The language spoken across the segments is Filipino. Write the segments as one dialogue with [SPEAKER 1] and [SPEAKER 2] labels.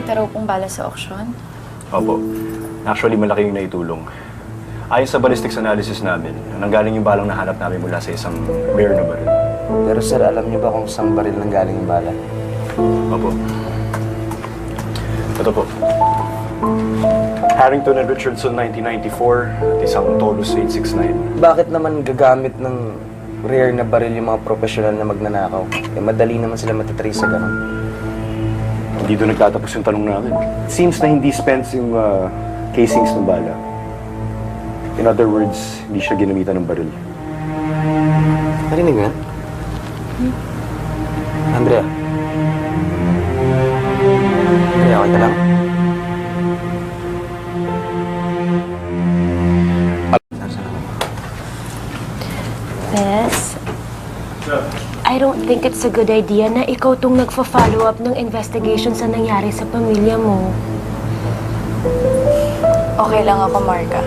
[SPEAKER 1] nakita raw pong bala sa auction?
[SPEAKER 2] Opo. Actually, malaki yung naitulong. Ayon sa ballistics analysis namin, nanggaling yung balang nahanap namin mula sa isang rare na baril.
[SPEAKER 3] Pero sir, alam niyo ba kung saan baril nang galing yung bala?
[SPEAKER 2] Opo. Ito po. Harrington and Richardson 1994 at isang Tolus 869.
[SPEAKER 3] Bakit naman gagamit ng rare na baril yung mga professional na magnanakaw? Eh, madali naman sila matatrace sa ganun.
[SPEAKER 2] Hindi doon nagtatapos yung tanong namin. It seems na hindi spent yung casings ng bala. In other words, hindi siya ginamitan ng baril.
[SPEAKER 3] Narinig mo yan? Andrea? Andrea, okay ka lang?
[SPEAKER 4] Bes, I don't think it's a good idea na ikaw tong nagfa-follow up ng investigation sa nangyari sa pamilya mo.
[SPEAKER 1] Okay lang ako, Marga.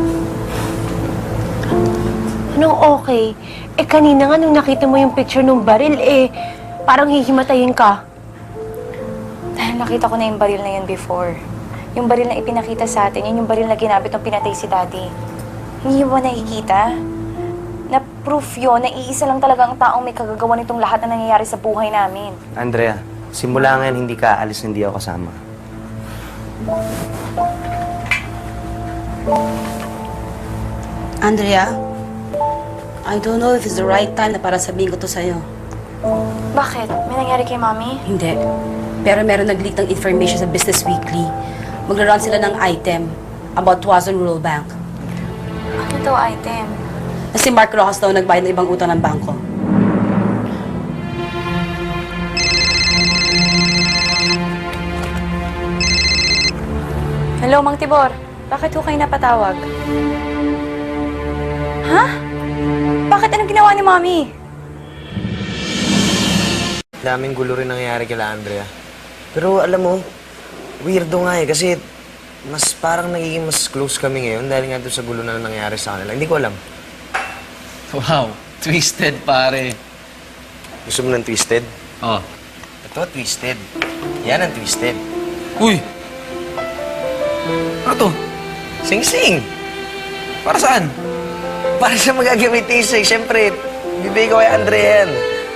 [SPEAKER 4] Anong okay? Eh kanina nga nung nakita mo yung picture ng baril, parang hihimatayin ka.
[SPEAKER 1] Dahil nakita ko na yung baril na yun before. Yung baril na ipinakita sa atin, yun yung baril na ginamit nung pinatay si Daddy. Hindi mo nakikita? Na proof yun na iisa lang talaga ang taong may kagagawa nitong lahat na nangyayari sa buhay namin.
[SPEAKER 3] Andrea, simula ngayon hindi ka aalis, hindi ako kasama.
[SPEAKER 5] Andrea, I don't know if it's the right time na para sabihin ko to sa'yo.
[SPEAKER 1] Bakit? May nangyari kay Mami?
[SPEAKER 5] Hindi. Pero meron nag-leak ng information sa Business Weekly. Magra-run sila ng item about Tuazon Rural Bank.
[SPEAKER 1] Ano daw item?
[SPEAKER 5] Na si Mark Rojas daw nagbayad ng ibang utang ng bangko.
[SPEAKER 1] Hello, Mang Tibor. Bakit ho kayo napatawag? Ha? Bakit? Anong ginawa ni Mami?
[SPEAKER 3] Daming gulo rin nangyayari kila Andrea. Pero alam mo, weirdo nga eh, kasi mas parang nagiging mas close kami ngayon dahil nga doon sa gulo na nangyayari sa kanila. Hindi ko alam.
[SPEAKER 6] Wow, twisted pare.
[SPEAKER 3] Gusto mo ng twisted?
[SPEAKER 6] Oh.
[SPEAKER 3] Ito, twisted. Yan ang twisted.
[SPEAKER 6] Uy! Ano to?
[SPEAKER 3] Sing-sing!
[SPEAKER 6] Para saan?
[SPEAKER 3] Para sa magagamitin sa'yo. Siyempre, bibigay ko kay Andrea yan.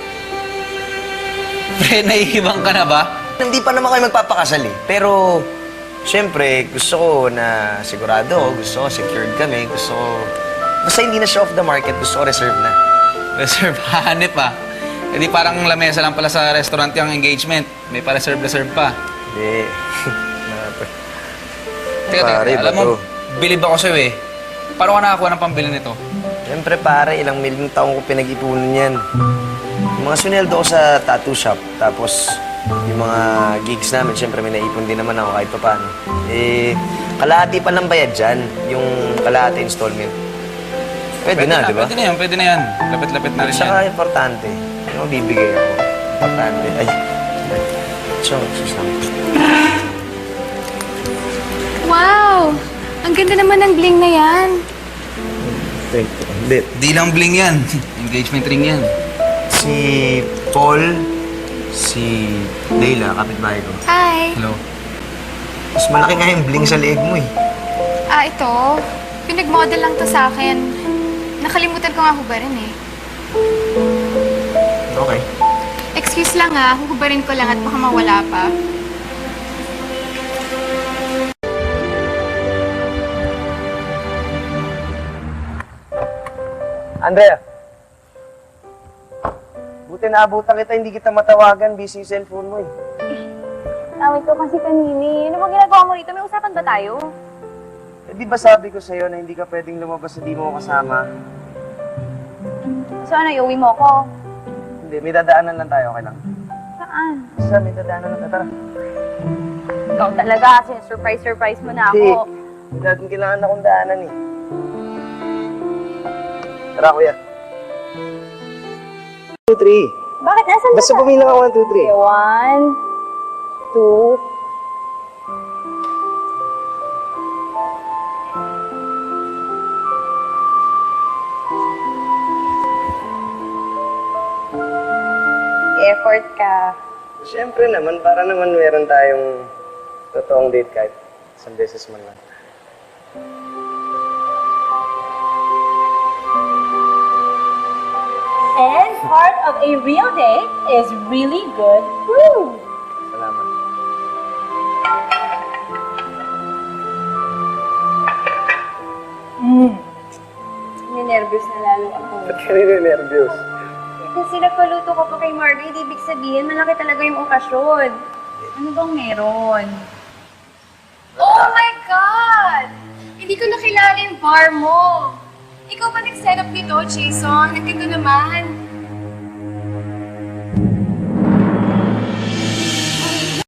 [SPEAKER 6] Pre, nahihibang ka na ba?
[SPEAKER 3] Hindi pa naman kayo magpapakasal eh. Pero, siyempre, gusto ko na sigurado ako. Gusto ko secured kami. Gusto ko... Basta hindi na siya off the market. Gusto ko reserve na.
[SPEAKER 6] Reserve, hanip ah. E di parang lamesa lang pala sa restaurant yung engagement. May pa-reserve pa.
[SPEAKER 3] Hindi.
[SPEAKER 6] Teka,
[SPEAKER 3] Pare,
[SPEAKER 6] alam mo,
[SPEAKER 3] bato.
[SPEAKER 6] bilib ako sa'yo eh. Paano ka nakakuha ng pambili nito?
[SPEAKER 3] Siyempre, pare, ilang milyong taong ko pinag-ipunan yan. Yung mga suneldo ko sa tattoo shop. Tapos, yung mga gigs namin, siyempre may naipon din naman ako kahit pa paano. Eh, kalahati pa lang bayad dyan. Yung kalahati installment. Pwede na, di ba?
[SPEAKER 6] Pwede na yan, pwede na yan. Lapit-lapit na rin yan.
[SPEAKER 3] Saka importante, yung bibigay ako. Importante. Ay. So, sus lang.
[SPEAKER 1] Wow! Ang ganda naman ng bling na yan.
[SPEAKER 3] Thank you. Hindi.
[SPEAKER 6] Di lang bling yan. Engagement ring yan.
[SPEAKER 3] Si Paul, si Leila, kapitbahay ko.
[SPEAKER 1] Hi!
[SPEAKER 6] Hello.
[SPEAKER 3] Mas malaki nga yung bling sa leeg mo eh.
[SPEAKER 7] Ito. Pinag-model lang to sa akin. Nakalimutan ko nga hubarin eh.
[SPEAKER 3] Okay.
[SPEAKER 7] Excuse lang huhubarin ko lang at baka mawala pa.
[SPEAKER 3] Andrea! Buti naabutan kita, hindi kita matawagan. Busy yung cellphone mo eh.
[SPEAKER 1] Awit ko kasi kanini. Ano bang ginagawa mo rito? May usapan ba tayo?
[SPEAKER 3] Eh, di ba sabi ko sa'yo na hindi ka pwedeng lumabas na di mo ako kasama?
[SPEAKER 1] So ano, iuwi mo ko?
[SPEAKER 3] Hindi, may dadaanan lang tayo, okay lang?
[SPEAKER 1] Saan?
[SPEAKER 3] Basta may dadaanan lang tayo, tara.
[SPEAKER 1] Ikaw talaga kasi surprise mo na
[SPEAKER 3] Hindi,
[SPEAKER 1] ako.
[SPEAKER 3] may dating kailangan akong daanan eh. Tara, kuya. 2, 3.
[SPEAKER 1] Bakit? Nasaan
[SPEAKER 3] Basta
[SPEAKER 1] ka?
[SPEAKER 3] pumilang ako 1, 2, 3.
[SPEAKER 1] 1, 2, effort ka.
[SPEAKER 3] Siyempre naman, para naman meron tayong Totoong date kahit isang beses man lang.
[SPEAKER 4] And part of a real date is really good food.
[SPEAKER 3] Salamat.
[SPEAKER 1] Ninervyos na lalo ako.
[SPEAKER 3] Ba't ka nire-nervyos?
[SPEAKER 1] Kasi nagpaluto ko pa kay Margaret, ibig sabihin, malaki talaga yung okasyon. Ano bang meron?
[SPEAKER 7] Oh my God! Hindi ko nakilala yung bar mo. Ikaw ba nag-set up nito, Jason? Nagkita naman.